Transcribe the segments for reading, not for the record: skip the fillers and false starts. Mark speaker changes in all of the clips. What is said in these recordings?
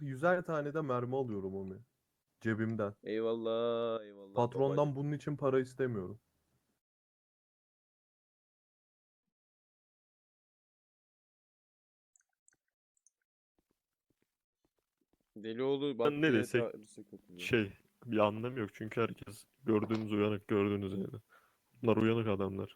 Speaker 1: 100'er tane de mermi alıyorum Omi. Cebimden.
Speaker 2: Eyvallah, eyvallah
Speaker 1: Patrondan
Speaker 2: babacım.
Speaker 1: bunun için para istemiyorum.
Speaker 2: Delioğlu bak
Speaker 3: Ne
Speaker 2: yine
Speaker 3: desek
Speaker 2: tarihse katılıyor.
Speaker 3: bir anlamı yok çünkü herkes gördüğünüz uyanık gördüğünüz yani. Bunlar uyanık adamlar.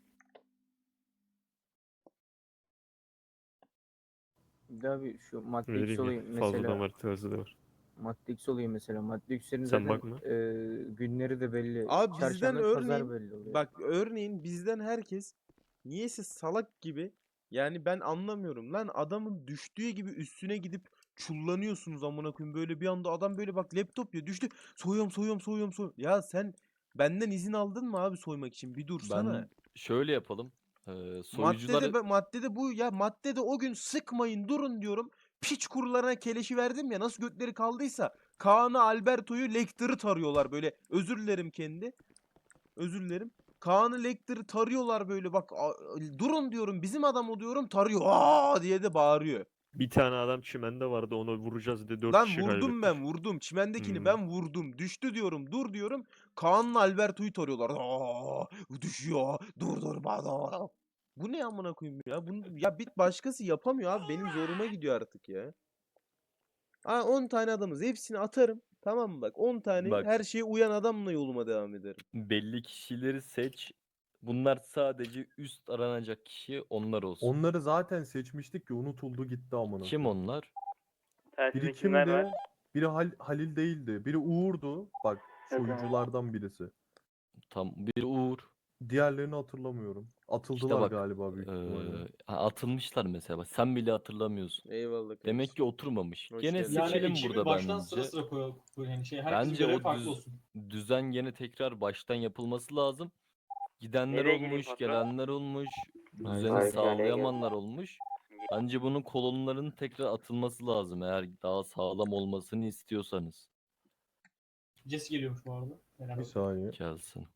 Speaker 4: Bir daha bir şu
Speaker 3: Ne
Speaker 4: Matrix
Speaker 3: diyeyim ya,
Speaker 4: olayı
Speaker 3: fazladan
Speaker 4: mesela.
Speaker 3: var, tersi de var.
Speaker 4: Matrix olayı mesela. Matrix'lerin
Speaker 3: Sen
Speaker 4: zaten
Speaker 3: bakma.
Speaker 4: günleri de belli.
Speaker 2: Abi bizden
Speaker 4: Çarşamba pazar
Speaker 2: örneğin
Speaker 4: belli oluyor.
Speaker 2: bak örneğin bizden herkes niyeyse salak gibi, yani ben anlamıyorum lan, adamın düştüğü gibi üstüne gidip çullanıyorsunuz amına koyayım, böyle bir anda adam böyle bak laptop ya düştü, soyuyorum soyuyorum soyuyorum soyuyorum. Ya sen benden izin aldın mı abi soymak için, bir dursana.
Speaker 5: Ben şöyle yapalım. Soyucular
Speaker 2: Maddede bu ya, maddede o gün sıkmayın durun diyorum. Piç kurularına keleşi verdim ya, nasıl götleri kaldıysa Kaan'ı, Alberto'yu, Lecter'ı tarıyorlar böyle. Özür dilerim kendi. Özür dilerim. Kaan'ı, Lecter'ı tarıyorlar böyle bak, durun diyorum, bizim adam o diyorum, tarıyor. Aa diye de bağırıyor.
Speaker 3: Bir tane adam çimende vardı, onu vuracağız diye 4
Speaker 2: Lan
Speaker 3: kişi
Speaker 2: vurdum,
Speaker 3: kaybettik.
Speaker 2: ben vurdum. Çimendekini
Speaker 3: Hmm.
Speaker 2: ben vurdum. Düştü diyorum. Dur diyorum. Kaan'la Alberto'yu tarıyorlar. Aa, düşüyor. Dur bana. Bu ne amına koyayım ya? Bunu ya bir başkası yapamıyor abi. Benim zoruma gidiyor artık ya. 10 tane adamız. Hepsini atarım. Tamam mı bak? 10 tane
Speaker 5: Bak.
Speaker 2: her şeye uyan adamla yoluma devam ederim.
Speaker 5: belli kişileri seç. Bunlar sadece üst aranacak kişi onlar olsun.
Speaker 1: Onları zaten seçmiştik ki unutuldu gitti amına
Speaker 5: Kim
Speaker 1: koyayım.
Speaker 5: onlar?
Speaker 1: Biri
Speaker 6: Telsizde kimler var?
Speaker 1: kimdi? Biri Halil değildi. Biri Uğur'du. Bak soyuculardan birisi.
Speaker 5: Tam bir Uğur.
Speaker 1: Diğerlerini hatırlamıyorum. Atıldılar
Speaker 5: İşte bak.
Speaker 1: galiba büyük ihtimalle.
Speaker 5: Atılmışlar mesela. Bak, sen bile hatırlamıyorsun.
Speaker 2: Eyvallah kardeşim.
Speaker 5: Demek ki oturmamış.
Speaker 2: Hoş
Speaker 5: Gene
Speaker 2: geldin.
Speaker 7: Yani
Speaker 5: seçelim
Speaker 7: ekibi
Speaker 5: burada
Speaker 7: baştan
Speaker 5: bence.
Speaker 7: sıra sıra koy yani herkesin
Speaker 5: Bence
Speaker 7: görevi
Speaker 5: o
Speaker 7: farklı olsun.
Speaker 5: düzen gene tekrar baştan yapılması lazım. Gidenler
Speaker 6: Nereye gireyim
Speaker 5: olmuş,
Speaker 6: patron?
Speaker 5: gelenler olmuş, düzeni
Speaker 6: Harika,
Speaker 5: sağlayamayanlar olmuş. Bence bunun kolonların tekrar atılması lazım eğer daha sağlam olmasını istiyorsanız.
Speaker 7: Jesse geliyormuş bu arada.
Speaker 1: Bir saniye.
Speaker 5: Gelsin.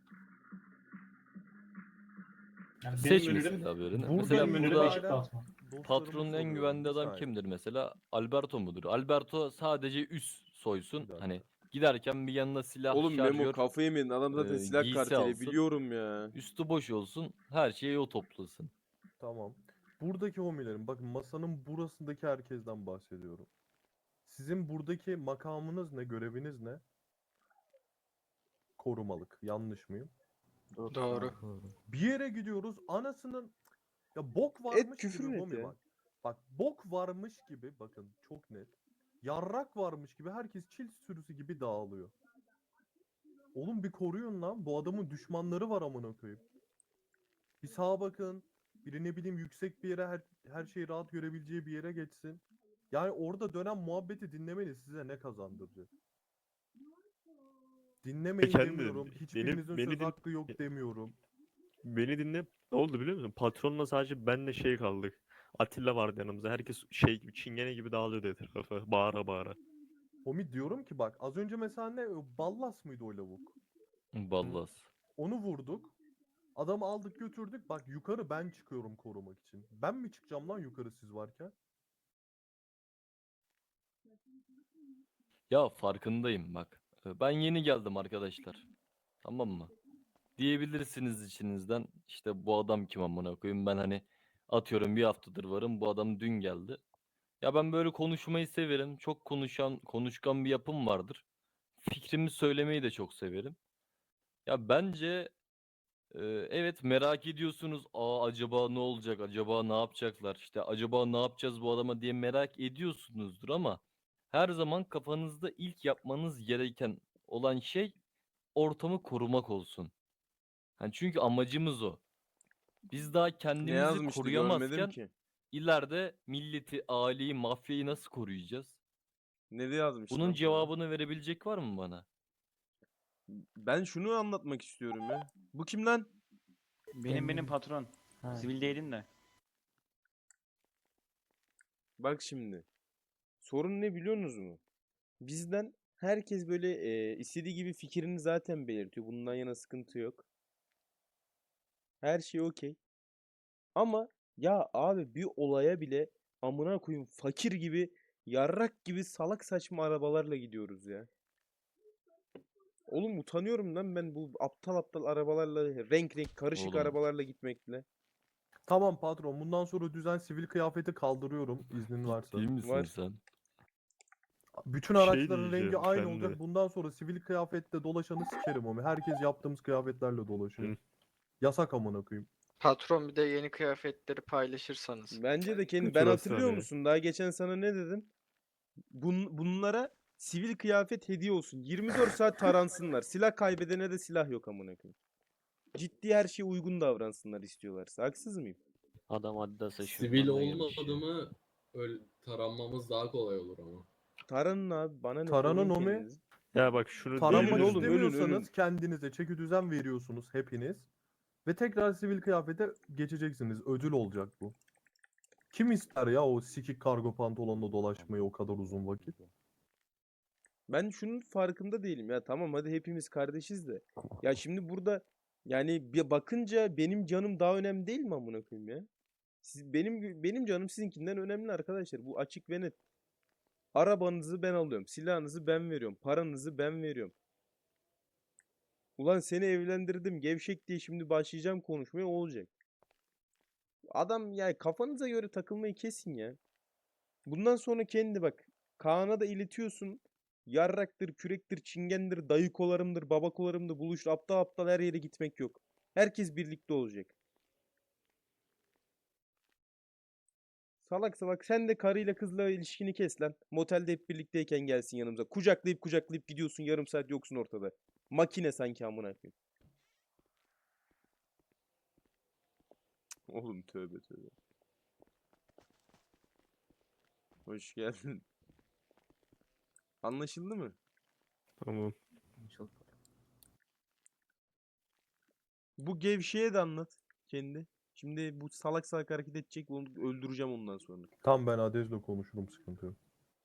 Speaker 7: Yani
Speaker 5: Seç
Speaker 7: benim önerim
Speaker 5: mesela birini.
Speaker 1: Burada
Speaker 5: Mesela
Speaker 7: benim önerim
Speaker 5: burada
Speaker 7: ekip dağıtma.
Speaker 5: patronun en güvenli adam kimdir mesela? Alberto mudur? Alberto sadece üst soysun.
Speaker 1: Bir dakika.
Speaker 5: Hani giderken bir yanına silah,
Speaker 2: Oğlum Memo
Speaker 5: şarjör,
Speaker 2: kafayı yemedin. Adam zaten silah
Speaker 5: giysi
Speaker 2: karteli,
Speaker 5: alsın.
Speaker 2: biliyorum ya.
Speaker 5: Üstü boş olsun. Her şeyi o toplasın.
Speaker 1: Tamam. Buradaki homilerim. Bakın masanın burasındaki herkesten bahsediyorum. Sizin buradaki makamınız ne? Göreviniz ne? Korumalık. Yanlış mıyım?
Speaker 8: Doğru.
Speaker 1: Bir yere gidiyoruz. Anasının ya bok varmış
Speaker 2: küfür
Speaker 1: gibi
Speaker 2: net
Speaker 1: homi
Speaker 2: ya.
Speaker 1: bak. Bak bok varmış gibi bakın çok net. Yarrak varmış gibi herkes çil sürüsü gibi dağılıyor. Oğlum bir koruyun lan. Bu adamın düşmanları var amına koyayım. Bir sağa bakın. Biri ne bileyim yüksek bir yere her şeyi rahat görebileceği bir yere geçsin. Yani orada dönen muhabbeti dinlemeniz size ne kazandıracak? Dinlemeyin
Speaker 3: Kendi-
Speaker 1: demiyorum. Hiçbirinizin
Speaker 3: beni
Speaker 1: söz
Speaker 3: din-
Speaker 1: hakkı yok demiyorum.
Speaker 3: Beni dinle. Ne oldu biliyor musun? Patronla sadece benle kaldık. Atilla vardı yanımızda. Herkes gibi çingene gibi dağılıyordu etrafa. Bağıra bağıra.
Speaker 1: Homi diyorum ki bak az önce mesela ne Ballas mıydı o lavuk?
Speaker 5: Ballas.
Speaker 1: Onu vurduk. Adamı aldık götürdük. Bak yukarı ben çıkıyorum korumak için. Ben mi çıkacağım lan yukarı siz varken?
Speaker 5: Ya farkındayım bak. Ben yeni geldim arkadaşlar. Tamam mı? Diyebilirsiniz içinizden işte bu adam kim amına koyayım, ben hani atıyorum bir haftadır varım, bu adam dün geldi. Ya ben böyle konuşmayı severim. Çok konuşkan bir yapım vardır. Fikrimi söylemeyi de çok severim. Ya bence evet merak ediyorsunuz. Acaba ne olacak? Acaba ne yapacaklar? İşte acaba ne yapacağız bu adama diye merak ediyorsunuzdur ama her zaman kafanızda ilk yapmanız gereken olan şey ortamı korumak olsun. Yani çünkü amacımız o. Biz daha
Speaker 2: Ne
Speaker 5: kendimizi
Speaker 2: yazmıştı görmedim
Speaker 5: koruyamazken
Speaker 2: ki.
Speaker 5: ileride milleti, aileyi, mafyayı nasıl koruyacağız?
Speaker 2: Ne de yazmıştı
Speaker 5: Bunun
Speaker 2: lan sana?
Speaker 5: cevabını verebilecek var mı bana?
Speaker 2: Ben şunu anlatmak istiyorum ya. Bu kim lan?
Speaker 9: Benim patron. Sivil değilim de.
Speaker 2: Bak şimdi. Sorun ne biliyorsunuz mu? Bizden herkes böyle istediği gibi fikrini zaten belirtiyor. Bundan yana sıkıntı yok. Her şey okey. Ama ya abi bir olaya bile amına koyayım fakir gibi Yarrak gibi salak saçma arabalarla gidiyoruz ya. Oğlum utanıyorum lan ben bu aptal aptal arabalarla, renk renk karışık
Speaker 5: Oğlum.
Speaker 2: arabalarla gitmekle.
Speaker 1: Tamam patron, bundan sonra düzen sivil kıyafeti kaldırıyorum iznin varsa.
Speaker 5: Değil misin
Speaker 2: Var.
Speaker 5: sen?
Speaker 1: Bütün
Speaker 3: Şey
Speaker 1: araçların rengi
Speaker 3: diyeceğim,
Speaker 1: aynı
Speaker 3: sen
Speaker 1: olacak.
Speaker 3: de.
Speaker 1: Bundan sonra sivil kıyafette dolaşanı sikerim ama. Herkes yaptığımız kıyafetlerle dolaşıyor.
Speaker 3: Hı.
Speaker 1: Yasak amına koyayım.
Speaker 6: Patron bir de yeni kıyafetleri paylaşırsanız.
Speaker 2: Bence de kendi ben
Speaker 3: Şurası
Speaker 2: hatırlıyor
Speaker 3: hani.
Speaker 2: musun? Daha geçen sana ne dedim? Bunlara sivil kıyafet hediye olsun. 24 saat taransınlar. Silah kaybedene de silah yok amına koyayım. Ciddi her şeye uygun davransınlar istiyorlarsa. Haksız mıyım?
Speaker 5: Adam Adidas'a
Speaker 8: Sivil
Speaker 5: şuradan da girmiş
Speaker 8: olmadı
Speaker 5: ya.
Speaker 8: mı öyle taranmamız daha kolay olur ama.
Speaker 2: Taranın abi bana ne
Speaker 1: Taranın
Speaker 2: koruyun
Speaker 1: o mu?
Speaker 2: kendinizi.
Speaker 3: Ya bak şunu
Speaker 1: Taranmak
Speaker 2: Ölün oğlum, ölün,
Speaker 1: istemiyorsanız
Speaker 2: ölün.
Speaker 1: kendinize çeki düzen veriyorsunuz hepiniz. Ve tekrar sivil kıyafete geçeceksiniz. Ödül olacak bu. Kim ister ya o sikik kargo pantolonla dolaşmayı o kadar uzun vakit?
Speaker 2: Ben şunun farkında değilim ya. Tamam hadi hepimiz kardeşiz de. Ya şimdi burada yani bir bakınca benim canım daha önemli değil mi amına koyayım ya? Benim canım sizinkinden önemli arkadaşlar. Bu açık ve net. Arabanızı ben alıyorum. Silahınızı ben veriyorum. Paranızı ben veriyorum. Ulan seni evlendirdim gevşek diye şimdi başlayacağım konuşmaya o olacak. Adam yani kafanıza göre takılmayı kesin ya. Bundan sonra kendi bak. Kaan'a da iletiyorsun. Yarraktır, kürektir, çingendir, dayıkolarımdır, babakolarımdır buluştu. Aptal aptal her yere gitmek yok. Herkes birlikte olacak. Salak salak sen de karıyla kızla ilişkini kes lan. Motelde hep birlikteyken gelsin yanımıza. Kucaklayıp kucaklayıp gidiyorsun yarım saat yoksun ortada. Makine sanki amına koyayım. Oğlum tövbe tövbe. Hoş geldin. Anlaşıldı mı?
Speaker 3: Tamam.
Speaker 2: Bu gevşeye de anlat kendi. Şimdi bu salak salak hareket edecek onu öldüreceğim ondan sonra.
Speaker 1: Tam ben Adez'le konuşurum, sıkıntı yok.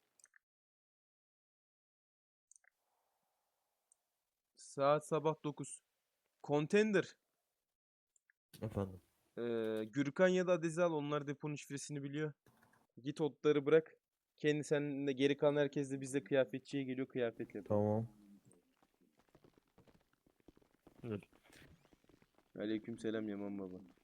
Speaker 2: Saat sabah 9. Contender.
Speaker 10: Efendim.
Speaker 2: Gürkan ya da Adez'i al. Onlar deponun şifresini biliyor. Git otları bırak. Kendi seninle geri kalan herkes de bizle kıyafetçiye geliyor kıyafet yapıyor.
Speaker 1: Tamam.
Speaker 2: Aleykümselam Yaman baba.